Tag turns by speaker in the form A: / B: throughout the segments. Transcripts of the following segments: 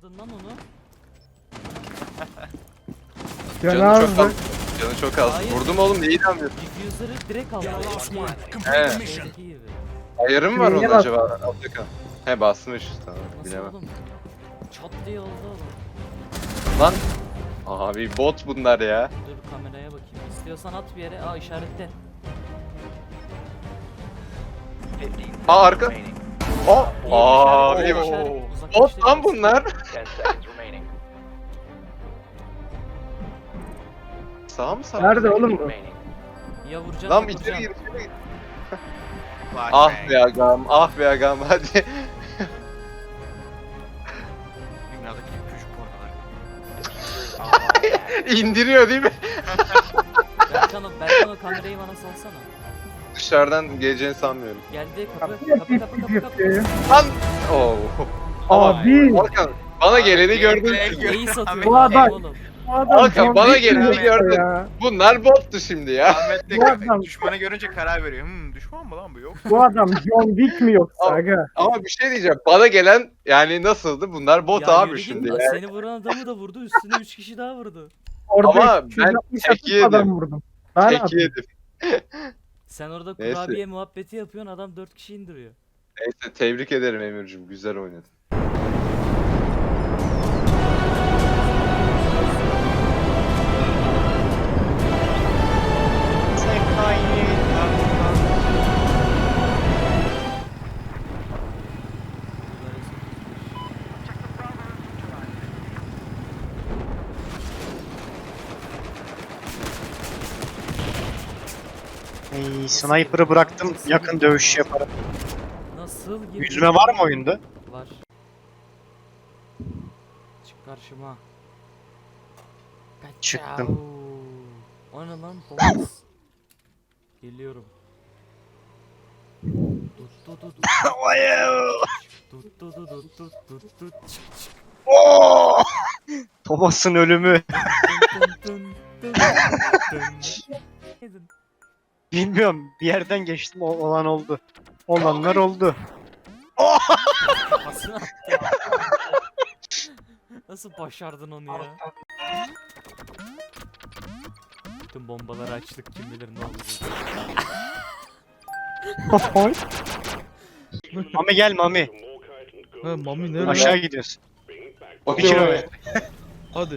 A: aldın lan onu?
B: Canı çok
C: Cenazı.
B: az. Canı çok az.
A: Hayır.
B: Vurdum oğlum, niye inanmıyorsun?
A: Diffuser'ı direkt aldı.
B: He.
A: Şeydeki gibi.
B: Ayarı mı var
C: Neye
B: onun acaba? Atakan. He basmış. Tamam,
A: Nasıl
B: bilemem.
A: oğlum? Çat diye oldu oğlum.
B: Lan. Abi bot bunlar ya.
A: Dur kameraya bakayım. İstiyorsan at bir yere. Aa işaretle.
B: Aa arka. O. Abi
A: İşaret,
B: bot
A: uzaklaştı
B: lan
A: biraz.
B: bunlar. Sağ mı sağ?
C: Nerede oğlum bu?
A: Ya vuracağım
B: Lan
A: ya
B: içeri
A: vuracağım.
B: gir, içeri gir. Ah be agam, ah be agam, hadi.
D: Dünyadaki en küçük pornolar.
B: İndiriyor değil mi?
A: Berkan o kamerayı bana salsana.
B: Dışarıdan geleceğini sanmıyorum.
A: Geldi kapı
C: Kapı
A: kapı kapı kapı kapı.
C: yapıyor.
B: Lan! Oo.
C: Abi.
B: Hakan, bana geleni gördün.
A: Neyi satıyor
C: Bu adam-
A: oğlum?
C: Bu adam
B: Hakan,
C: John
B: bana
C: Wick
B: geleni
C: mi
B: gördün.
C: ya?
B: Bunlar bottu şimdi ya.
D: Ahmet de
C: Bu adam-
D: düşmanı görünce karar veriyor. Düşman mı lan bu yok?
C: Bu adam John Wick mi yoksa
B: Abi.
C: aga?
B: Ama bir şey diyeceğim. Bana gelen yani nasıldı? Bunlar bot
A: Ya
B: abi
A: yürü git
B: şimdi
A: lan,
B: ya.
A: seni vuran adamı da vurdu. Üstüne 3 kişi daha vurdu.
C: Orada
B: Ama ben
C: 260
B: tek yedim.
C: adam vurdum. Ben
B: Tek
C: attım.
B: yedim.
A: Sen orada
B: Neyse.
A: kurabiye muhabbeti yapıyorsun. Adam 4 kişi indiriyor.
B: Neyse tebrik ederim Emir'cim. Güzel oynadın.
E: Ey, sniper'ı bıraktım, yakın dövüş yaparım.
A: Nasıl gibi?
E: Yüzme var mı oyunda?
A: Var. Çık karşıma.
E: Çıktım.
A: Kaçao. O ne lan? Thomas. Geliyorum. Tut tut tut tut tut tut tut tut tut tut çık çık.
E: Oo! Thomas'ın ölümü.
A: Dın dın dın dın dın.
E: Bilmiyorum, bir yerden geçtim, olan oldu. Olanlar oldu.
A: Kafasına attı. Nasıl başardın onu ya? Bütün bombaları açtık, kim bilir ne olacak.
E: Mami gel Mami.
F: Ha Mami nerede?
E: Aşağı gidiyorsun. 1
B: Okey.
E: kilometre.
F: Hadi.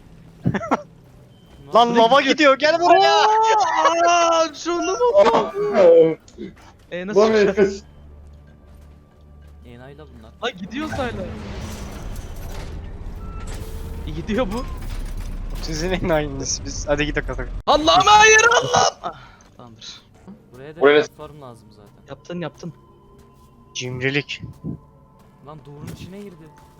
E: Lan lava gidiyor, gel buraya.
F: Aaa şunu mu? Nasıl çıkacağız?
A: Enayla bunlar.
F: Lan gidiyor sayla. Gidiyor bu.
E: Sizin en aynınız biz. Hadi gidelim.
F: Allah'ım hayır Allah'ım. Ah, tamamdır.
A: Buraya da
B: Buraya-
A: platform lazım zaten.
F: Yaptın.
E: Cimrilik.
A: Lan duvarın içine girdi.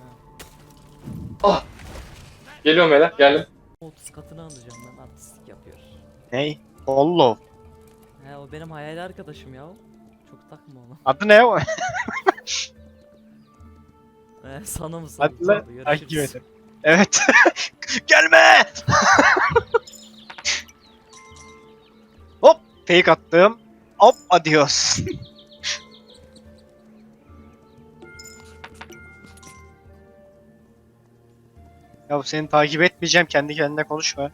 B: Geliyorum hele, geldim.
A: 30 katını alacağım ben, artistlik yapıyor.
E: Ney? Follow.
A: He o benim hayali arkadaşım ya. Çok takma onu.
E: Adı ne o?
A: Sana mı
E: Hadi
A: saldı?
E: lan. Takip ederim. Evet. Gelme. Hop. Fake attım. Hop. Adios. Ya seni takip etmeyeceğim. Kendi kendine konuşma.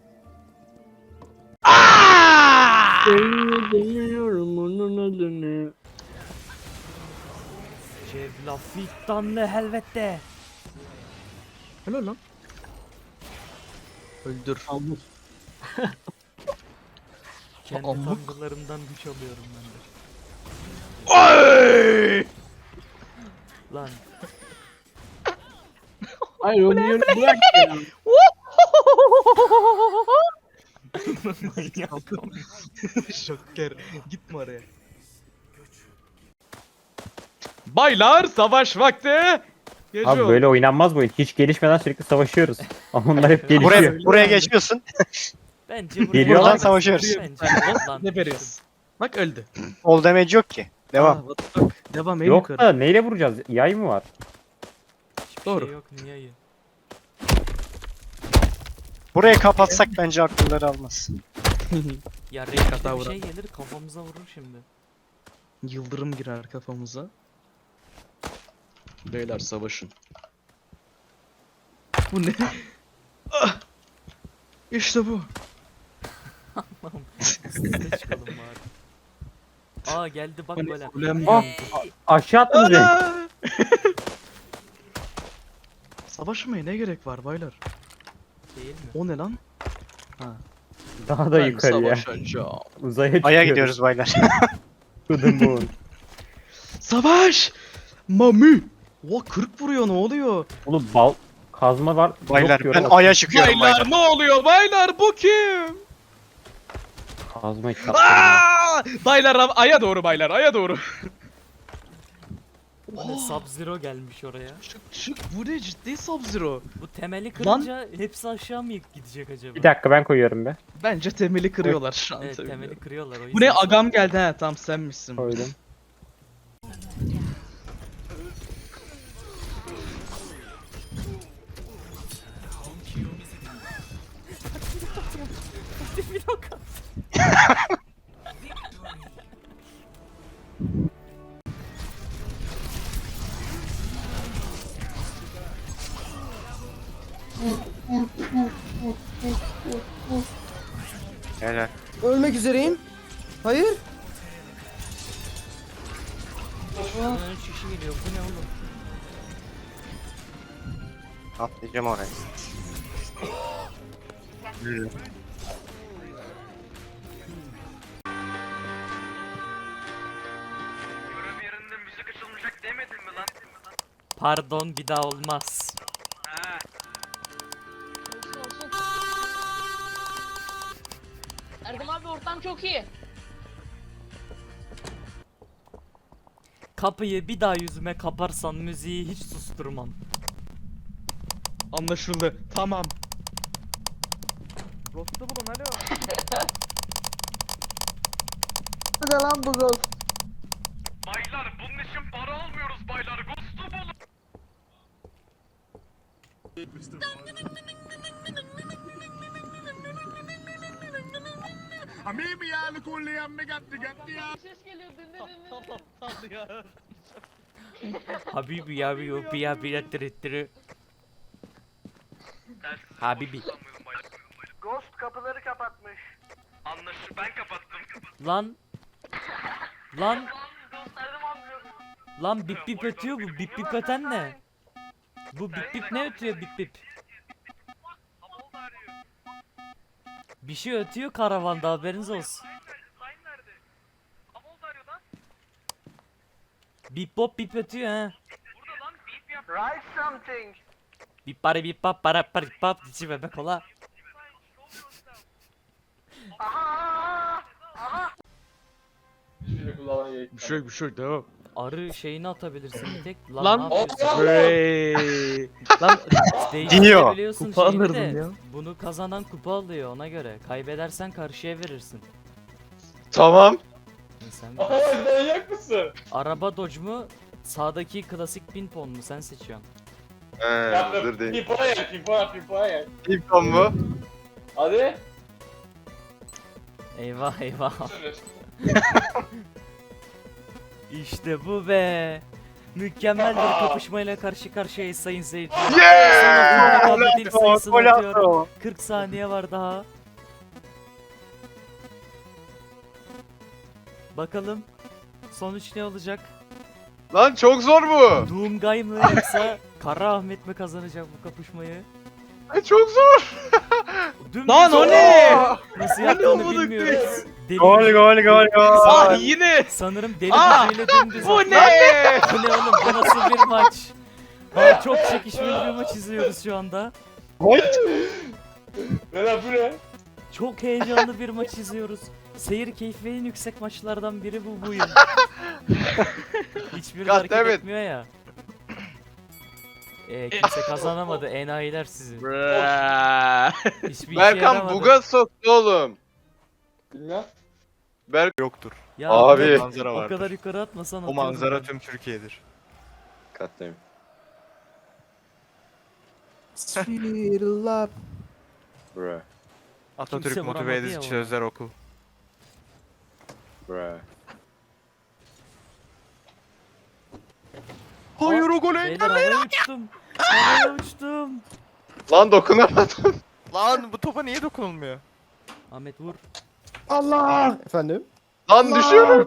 A: Cevlafittan ne helvette.
F: Helal lan. Öldür.
A: Kendi
F: Amık.
A: tanrılarımdan güç alıyorum ben de. Lan
C: Hayır onu bırak ya.
F: Şoker. Gitme oraya. Baylar savaş vakti. Geçiyor.
G: Abi böyle oynanmaz bu oyun. Hiç gelişmeden sürekli savaşıyoruz. Ama onlar hep gelişiyor.
E: Buraya geçiyorsun.
A: bence buraya
G: Geliyorlar.
E: Buradan savaşıyoruz.
A: Bence lan.
F: Ne veriyorsun? Bak öldü.
E: Ol damage yok ki. Devam.
F: Aa, what the fuck? Devam en
G: Yok
F: yukarı.
G: da neyle vuracağız? Yay mı var?
A: Hiçbir
F: Doğru.
A: Şey yok niye iyi?
E: Burayı kapatsak bence akılları almaz.
A: Ya
F: Tek hata
A: renkli bir
F: vuran.
A: şey gelir kafamıza vurur şimdi.
F: Yıldırım girer kafamıza. Beyler savaşın. Bu ne? Ah! İşte bu.
A: Üstüne çıkalım bari. Aa geldi bak
F: Bu ne?
A: böyle.
F: Kulem
G: Ah!
F: yandı.
G: Aşağı attın beni.
F: Ana! Savaşmaya ne gerek var baylar?
A: Değil mi?
F: O ne lan?
G: Daha da yukarıya.
F: Savaşacağım.
G: Uzaya çıkıyoruz.
E: Aya gidiyoruz baylar.
G: To the moon.
F: Savaş! Mami! Oha 40 vuruyor ne oluyor?
G: Oğlum kazma var.
E: Baylar
G: yok
E: ben
G: diyorum.
E: aya çıkıyorum baylar.
F: Baylar ne oluyor? Baylar bu kim?
G: Kazma hiç kaptırma.
F: Aa! Baylar aya doğru baylar aya doğru.
A: O ne Sub-Zero gelmiş oraya.
F: Çık bu ne ciddi Sub-Zero.
A: Bu temeli kırınca hepsi aşağı mı gidecek acaba?
G: Bir dakika ben koyuyorum be.
F: Bence temeli kırıyorlar şu an
A: Evet
F: tabii.
A: temeli kırıyorlar o yüzden.
F: Bu ne agam geldi ha tam senmişsin.
G: Koydum.
E: Helal.
H: Ölmek üzereyim. Hayır.
A: Aa, şişi geliyor bu ne oğlum?
E: Atlayacağım oraya.
D: Görev yerinde müzik açılmayacak demedin mi lan?
A: Pardon bir daha olmaz.
D: Ha.
I: Olsun olsun. Erdem abi ortam çok iyi.
A: Kapıyı bir daha yüzüme kaparsan müziği hiç susturmam.
F: Anlaşıldı. Tamam. Rost'u bulun alo.
H: Bu ne lan bu gol?
D: Baylar bunun için para almıyoruz baylar. Ghost'u bulun.
I: Ses geliyor din din din din.
A: Habibi ya bir ya bir ettirittiri. Habibi.
D: Ghost kapıları kapatmış. Anlaşıldı ben kapattım.
A: Lan. Lan. Lan bip bip ötüyor bu. Bip bip öten ne? Bu bip bip ne ötüyor bip bip? Bir şey ötüyor karavanda haberiniz olsun.
D: Sayın nerede? Amol arıyor lan.
A: Bip bop bip ötüyor ha.
D: Burada lan beep yap. Write something.
A: Bip bari bip bap para para bip bap dici bebek ola.
F: Bir şey devam.
A: Arı şeyini atabilirsin bir tek.
F: Lan.
A: ne yapıyorsun?
F: Hey. Lan
A: Değiştirebiliyorsun
F: Kupa
A: şeyini
F: alırdım
A: de.
F: ya.
A: Bunu kazanan kupa alıyor ona göre. Kaybedersen karşıya verirsin.
B: Tamam.
A: Sen
C: Manyak mısın?
A: araba dodge mu? Sağdaki klasik pinpon mu? Sen seçiyorsun.
B: Dur değil.
C: Pipoya yak, pipoya yak.
B: İlkon mu?
C: Hadi.
A: Eyvah eyvah. İşte bu be. Mükemmel bir kapışmayla karşı karşıyayız sayın seyirciler. Sana kabul sayısını atıyorum. 40 saniye var daha. Bakalım sonuç ne olacak?
B: Lan çok zor bu.
A: Doomguy mı yoksa Kara Ahmet mi kazanacak bu kapışmayı?
B: Çok zor.
A: Dümdüz
F: Lan o
A: oldu.
F: ne?
A: Nasıl
F: O ne
A: yaptığını
F: amına
A: bilmiyoruz. Deli
E: Gol gol gol gol.
F: Ah yine.
A: Sanırım deli
F: Ah,
A: gücüyle dümdüz
F: Bu
A: attı.
F: ne?
A: Bu ne oğlum bu nasıl bir maç? Ha, çok çekişmeli bir maç izliyoruz şu anda.
C: Ne lan bu ne?
A: Çok heyecanlı bir maç izliyoruz. Seyir keyfi en yüksek maçlardan biri bu yıl. Hiçbiri
B: God
A: hareket
B: damn it.
A: etmiyor ya. Kimse kazanamadı enayiler sizi. Hiçbir işe
B: Berkan
A: yaramadı.
B: buga soktu oğlum.
C: Bilmem.
D: Yoktur.
A: Ya
B: Abi.
D: Manzara
A: o
D: var.
A: kadar yukarı atmasan
D: O
A: atıyordum
D: manzara
A: ben.
D: tüm Türkiye'dir.
B: Katlayayım.
H: Sweet love.
B: Bra.
D: Atatürk
A: vuramadı
D: motive
A: ya
D: edici
A: ona.
D: sözler oku.
B: Bra.
D: Hayır o golü
A: Beyler havaya uçtum. Havaya uçtum.
B: Lan dokunamadım.
J: Lan bu topa niye dokunulmuyor?
A: Ahmet vur.
H: Allah. Efendim?
B: Lan düşüyorum.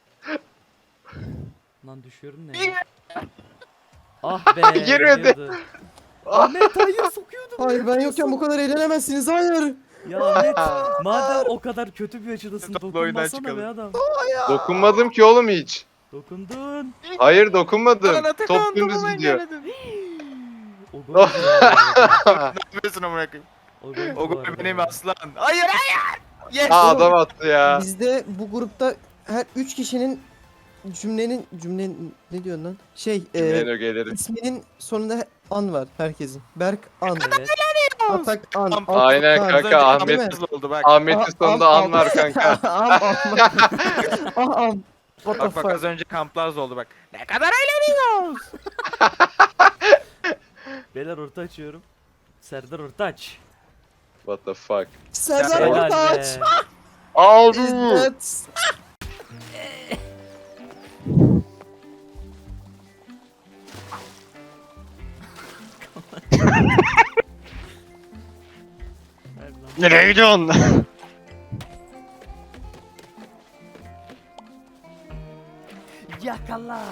A: Lan düşüyorum ne ya? Ah be.
B: Girmedi.
A: giriyordu. Ahmet hayır sokuyordum.
H: Hayır ben yokken bu kadar eğlenemezsiniz. Hayır.
A: Ya Ahmet madem o kadar kötü bir açıdasın
J: Topla oyundan
A: dokunmasana be
J: çıkalım.
A: adam.
B: Dokunmadım ki oğlum hiç.
A: Dokundun.
B: Hayır dokunmadım.
J: Lan Atakan,
B: Top dümdüz
J: topu ben
B: gidiyor.
J: yemedim.
A: O gol ya.
J: Ne yapıyorsun amına koyayım?
A: O gol
J: O
A: bu
J: gol
A: arada
J: benim
A: ya.
J: aslan. Hayır hayır. Yes.
B: Aa adam attı ya.
H: Bizde bu grupta her 3 kişinin cümlenin ne diyorsun lan?
B: Ben ögelerim.
H: İsminin sonunda an var herkesin. Berk an.
A: Evet.
H: Atak an.
J: Am-
B: Aynen
H: Atak,
B: kanka,
H: an.
B: Ahmet-
H: Değil mi?
J: Hızlı oldu bak.
B: Ahmet'in sonunda an var kanka.
H: Am. What the
J: Bak bak
H: fuck?
J: az önce kamplar oldu bak. Ne kadar eğleniyoruz.
A: Beyler orta açıyorum. Serdar orta aç.
B: What the fuck.
H: Serdar
A: Helal
H: Ortaç.
A: be.
B: Aldım.
H: İzzet.
A: Ver lan.
E: Nereye gidiyorsun?
A: Yakala.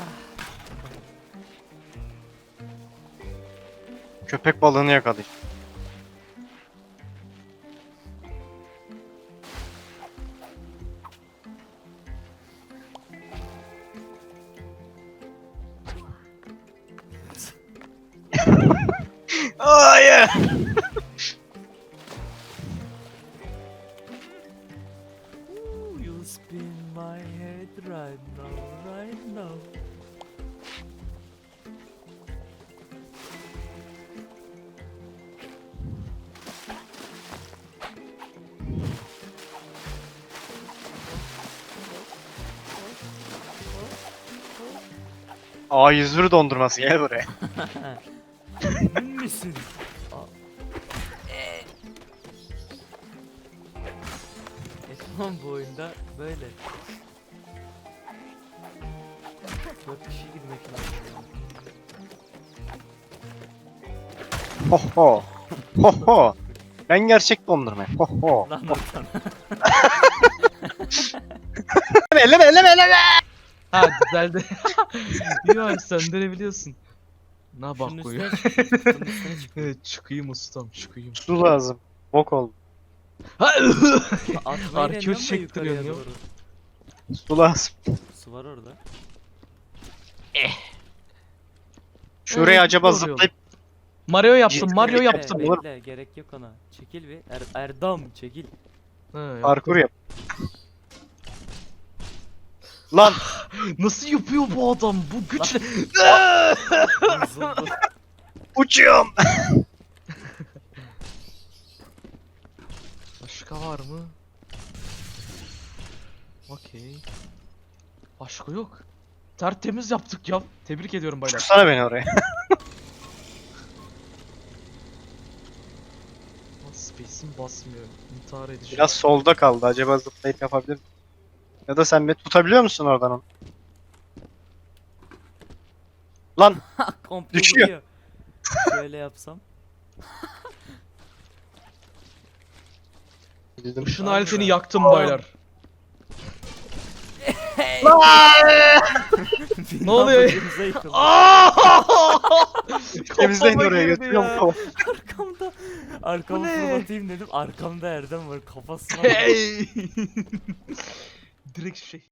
E: Köpek balığını yakalayın. Hayır.
A: Ooh, you spin my head right now, right now.
E: A101 dondurması gel buraya.
A: Emin misin? Tamam bu oyunda böyle. 4 kişi girmek lazım.
E: Ho ho. Ho ho. Ben gerçek dondurma. Ho ho.
A: Lan oradan.
E: Elleme.
F: Ha düzeldi. Yok söndürebiliyorsun. Ne bak
A: Şunun
F: koyuyor.
A: üstüne çık. Şunun üstüne çık.
F: Evet çıkayım ustam çıkayım.
E: Su lazım. Bok oldu.
A: Atmayı
F: Arkeoz
A: deniyorum da
F: çektiriyor
A: yukarıya
F: ya.
A: doğru.
E: Su lazım.
A: Su var orada.
E: Şuraya
F: Evet,
E: acaba
F: doğru
E: zıplayıp
F: Mario yaptım,
E: Bekle,
F: Mario
E: bekle.
F: yaptım.
A: Bekle gerek yok ona. Çekil bir. Erdam çekil.
F: Ha, yaptım.
E: parkur yap. Lan
F: Nasıl yapıyor bu adam? Bu güçle.
A: Bozuldu.
E: uçuyorum.
F: Başka var mı? Okey. Başka yok. Tertemiz yaptık ya. Tebrik ediyorum baylar.
E: Tutsana beni oraya.
F: Space'im basmıyor. İntihar edeceğim.
E: Biraz solda kaldı. Acaba zıplayıp yapabilir miyim? Ya da sen beni tutabiliyor musun oradan onu? Lan
A: Komple
E: Düşüyor.
A: vuruyor. Şöyle yapsam.
F: Işın aletini yaktım baylar. Ne oluyor?
A: Başımıza yıkıldı.
E: temizleyin
F: Kafama
E: oraya
F: girdi
E: götürüyorum
F: ya.
E: kafamı.
A: Arkamda. Arkamı
F: Bu ne?
A: fırlatayım dedim. Arkamda Erdem var. Kafasına.
F: Hey! Direkt şey.